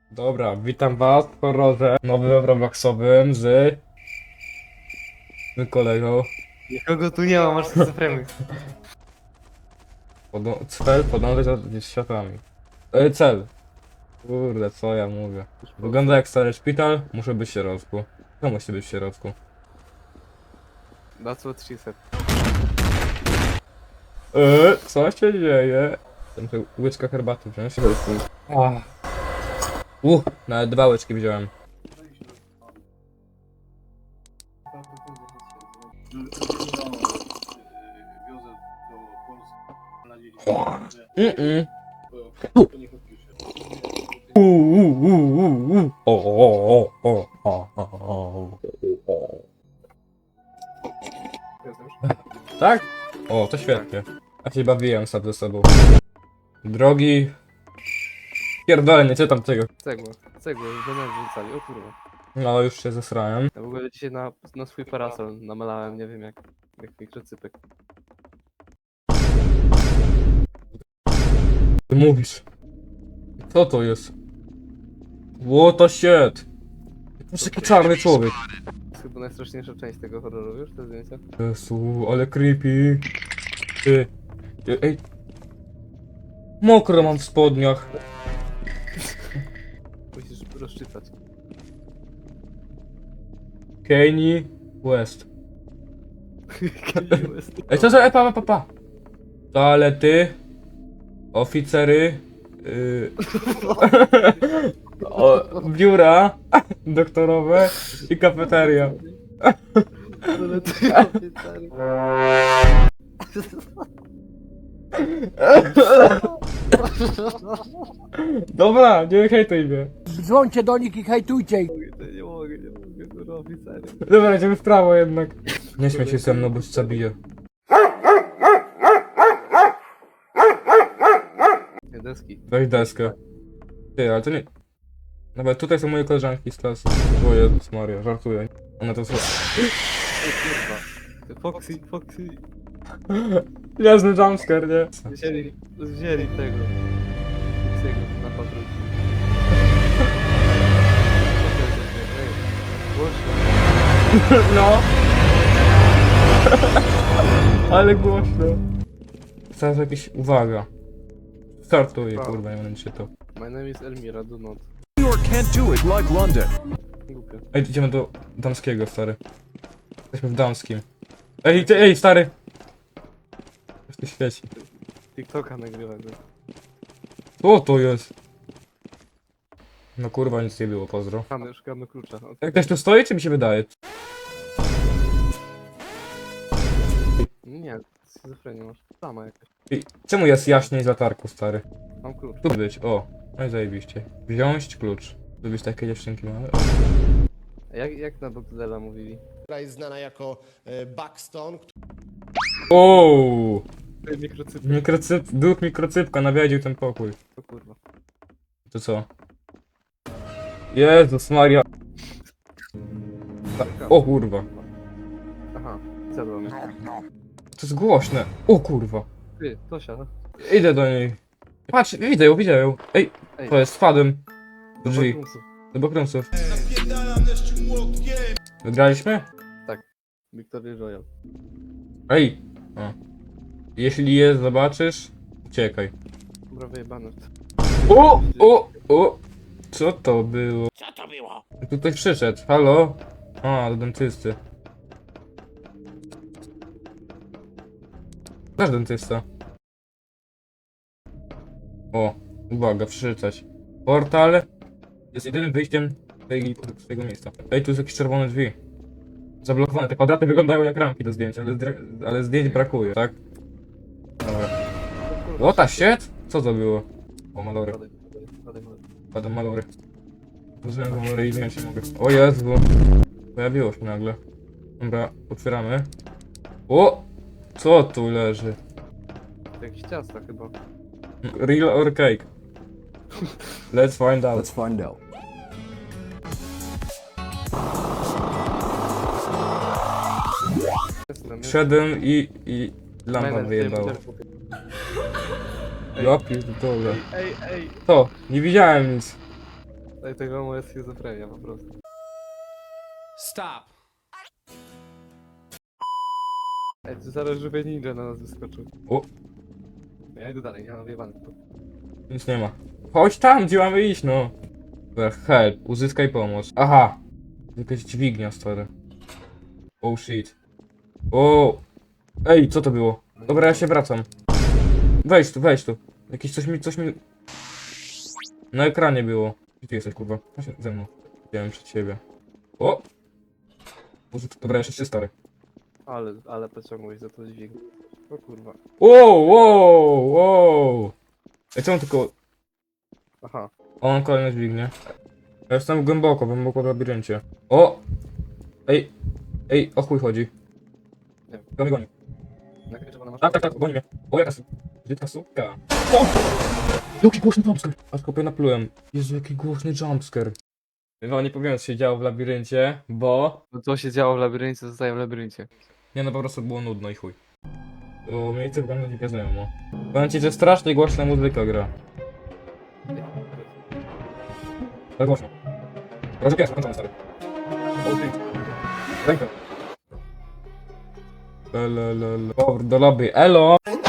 Dobra, witam was w horrorze nowym Robloxowym z kolegą. Nikogo tu nie ma, masz schizofrenię. Cel podążać za światłami. Cel. Kurde, co ja mówię. Wygląda jak stary szpital, muszę być w środku. Kto musi być w środku? That's what she said. Co się dzieje? Muszę łyczka herbaty wziąć. Nawet 2 łyczki wziąłem. Tak? O, to świetnie. Ja się bawiłem sam ze sobą. Drogi... Pierdolenie, co tam tego? Cegła, już do nas wrzucali, o kurwa. No, już się zesrałem. Ja w ogóle dzisiaj na swój parasol namalałem, nie wiem jak mikrocypek. Ty mówisz. Co to jest? What the shit? To jest taki czarny człowiek. To jest chyba najstraszniejsza część tego horroru, wiesz, te zdjęcia? Jezu, ale creepy. Ej. Mokro mam w spodniach. Musisz rozczytać. Kanye West. Ej, co za... pa. Toalety. Oficery. Biura. Doktorowe. I kafeteria. Dobra, nie hejtuj mnie. Dzwońcie do nich i hejtujcie ich. Nie mogę, kurwa, oficery. Dobra, idziemy w prawo jednak. Nie śmiej się ze mną, bo cię zabiję. Deski. Weź deskę. Ty, ale to nie... Nawet tutaj są moje koleżanki z klasy. O Jezus Maria, żartuję. One to są... Ej, kurwa. Foxy. Jasny jumpscare, nie? Wzięli tego. Foxy'ego na patrolki. Głośno. No. Ale głośno. Teraz jakieś... Uwaga. Startuję, kurwa, nie będę czytał. My name is Elmira, do not. New York can't do it like London. Głupio. Ej, idziemy do damskiego, stary. Jesteśmy w damskim. Ej, stary! Coś tu świeci. TikToka nagrywam. Co to jest? No kurwa, nic nie było, pozdro. Szukamy klucza. Jak ktoś tu stoi, czy mi się wydaje? Nie, schizofrenię masz. Sama jakaś. Ej, czemu jest jaśniej z latarką, stary? Mam klucz. Tu być, o. No i zajebiście. Wziąć klucz. Lubisz takie dziewczynki małe? Jak na Boxdela mówili? która jest znana jako Buxton. Ooo! Mikrocypy. Duch mikrocypka nawiedził ten pokój. O kurwa. To co? Jezus Maria. O kurwa. Aha, zjadła mnie. To jest głośne. O kurwa. Ty, Tosia. Idę do niej. Patrz, widzę ją. Ej, to jest, spadłem. Do drzwi. Do bakrumsów. Wygraliśmy? Victory Royale. Ej! O. Jeśli je zobaczysz, uciekaj. Dobra, wyjebane. O! Co to było? Tutaj przyszedł, halo? A, do dentysty. Nasz dentysta. O, uwaga, przeczytać. Portal jest jedynym wyjściem z tego miejsca. Ej, tu jest jakieś czerwone drzwi. Zablokowane, te kwadraty wyglądają jak ramki do zdjęcia, ale zdjęć brakuje, tak? Dobra. What the shit? Co to było? O, malory. Padam malory. Użyłem malory i wiem, się mogę. O Jezu! Pojawiło się nagle. Dobra, otwieramy. O! Co tu leży? To jakieś ciasta chyba. Real or cake? Let's find out. Let's find out. Jestem. Wszedłem i lampa wyjebała. Ja pierdolę. Ej. Co? Nie widziałem nic. Tego moja schizofrenia po prostu. Stop. Ej, tu zaraz żywy ninja na nas wyskoczył. O, Ja idę dalej, ja mam wyjebane. nic nie ma. Chodź tam, gdzie mamy iść, no. Dobra, help, uzyskaj pomoc. Aha. Jakaś dźwignia, stary. Oh shit. O. Ej, co to było? Dobra, ja się wracam. Wejdź tu. Jakieś coś mi... Na ekranie było. Gdzie ty jesteś, kurwa? Chodź ze mną. Widziałem przed siebie. O! Boże, dobra, jeszcze się stary. Ale pociągłeś za to dźwignię. O kurwa. Wow. Ej, czemu tylko... Aha. O, mam kolejne dźwignie. Ja jestem głęboko w labiryncie. O! Ej, o chuj chodzi. Nie. Goni. Nakręczowana masz. Tak, goni mnie. O, jaka brzydka suka. O! Jaki głośny jumpscare. Aż kopie naplułem. Jezu, jaki głośny jumpscare. No, nie powiem, co się działo w labiryncie, bo... No co się działo w labiryncie, zostaje w labiryncie. Nie, no po prostu było nudno i chuj. To miejsce wygląda dziwnie znajomo. Powiem ci, że strasznie głośna muzyka gra. Tak głośno. Proszę pies, kończony stary. Rękę. Powrót do lobby. Elo!